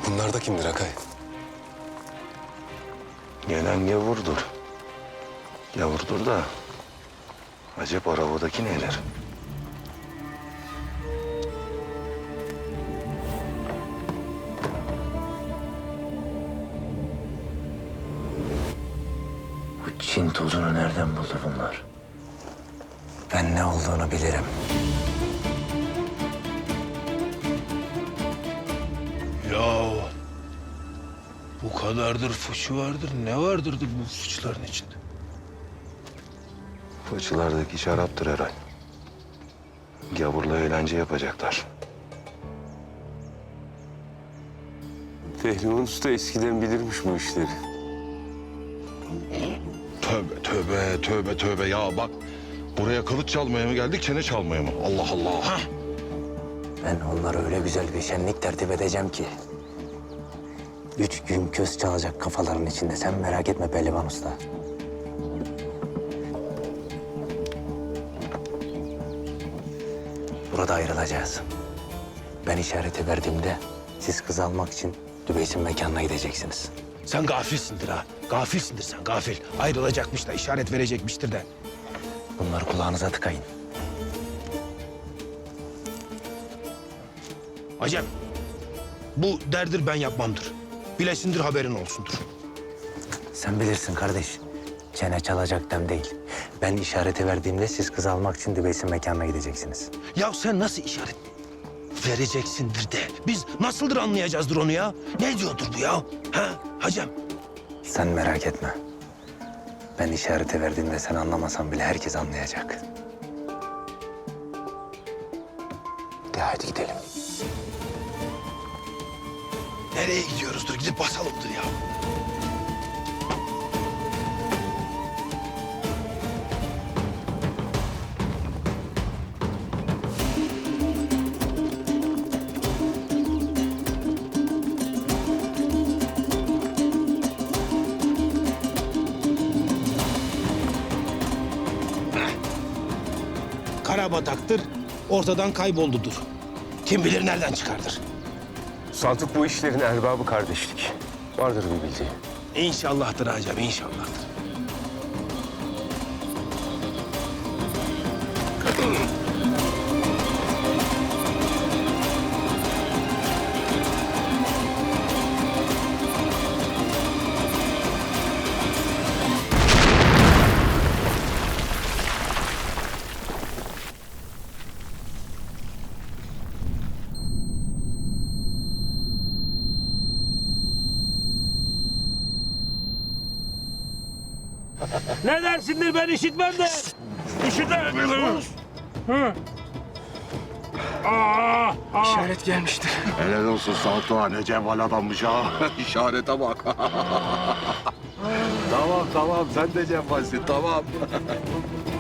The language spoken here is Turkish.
Bunlar da kimdir Akay? Gelen gavurdur. Gavurdur da acep arabadaki neler? Bu Çin tozunu nereden buldu bunlar? Ben ne olduğunu bilirim. Ya bu kadardır fıçı vardır. Ne vardır bu fıçıların içinde? Fıçılardaki şaraptır herhal. Gavurla eğlence yapacaklar. Pehlivan Usta eskiden bilirmiş bu işleri. Tövbe tövbe tövbe tövbe ya bak. Buraya kılıç çalmaya mı geldik, çene çalmaya mı? Allah Allah. Ben onlara öyle güzel bir şenlik tertip edeceğim ki. 3 gün köz çalacak kafaların içinde. Sen merak etme Pehlivan Usta. Burada ayrılacağız. Ben işareti verdiğimde siz kız almak için Dübeys'in mekanına gideceksiniz. Sen gafilsindir ha. Gafilsindir sen gafil. Ayrılacakmış da işaret verecekmiştir de. Bunları kulağınıza tıkayın. Acem bu derdir ben yapmamdır. Bilesindir haberin olsundur. Sen bilirsin kardeş. Çene çalacak dem değil. Ben işareti verdiğimde siz kız almak için Dübeys'in mekanına gideceksiniz. Ya sen nasıl işaret vereceksindir de. Biz nasıldır anlayacağızdır onu ya? Ne diyordur bu ya? Ha Hacem? Sen merak etme. Ben işareti verdiğimde sen anlamasan bile herkes anlayacak. De hadi gidelim. Nereye gidiyoruzdur? Gidip basalımdır ya. Karabataktır, ortadan kayboldudur. Kim bilir nereden çıkardır. Saltuk bu işlerin erbabı kardeşlik. Vardır bir bildiği. İnşallahdır Hacem, inşallahdır. Ne dersindir ben işitmem de. İşitmem. İşaret gelmiştir. Helal olsun Saltuğa, ne cevval adammış ha. İşarete bak. tamam tamam, sen de cevvalsin, tamam.